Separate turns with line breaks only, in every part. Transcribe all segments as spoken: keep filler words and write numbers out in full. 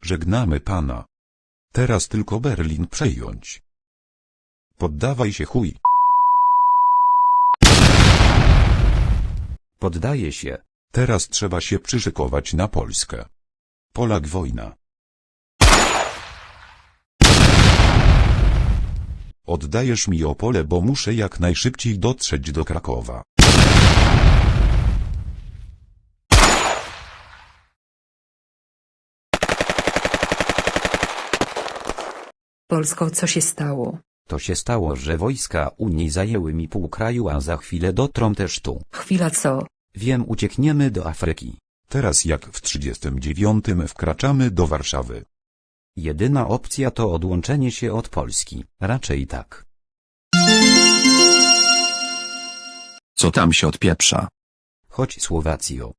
Żegnamy pana. Teraz tylko Berlin przejąć. Poddawaj się, chuj.
Poddaję się.
Teraz trzeba się przyszykować na Polskę. Polak wojna. Oddajesz mi Opole, bo muszę jak najszybciej dotrzeć do Krakowa.
Polsko, co się stało?
To się stało, że wojska Unii zajęły mi pół kraju, a za chwilę dotrą też tu.
Chwila, co?
Wiem, uciekniemy do Afryki.
Teraz jak w trzydziestym dziewiątym wkraczamy do Warszawy.
Jedyna opcja to odłączenie się od Polski. Raczej tak.
Co tam się odpieprza?
Chodź, Słowacjo.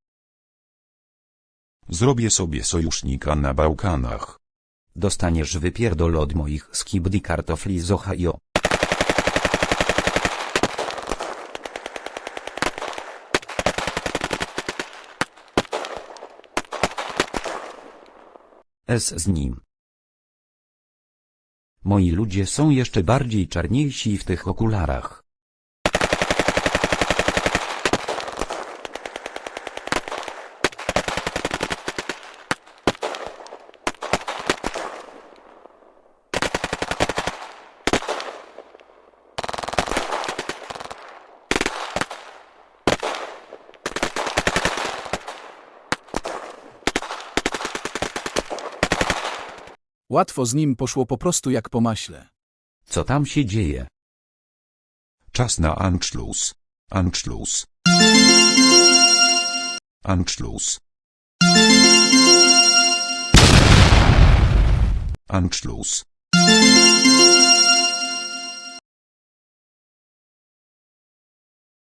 Zrobię sobie sojusznika na Bałkanach.
Dostaniesz wypierdol od moich skibidi kartofli z Ohio. S z nim. Moi ludzie są jeszcze bardziej czarniejsi w tych okularach.
Łatwo z nim poszło po prostu jak po maśle.
Co tam się dzieje?
Czas na Anschluss. Anschluss. Anschluss. Anschluss.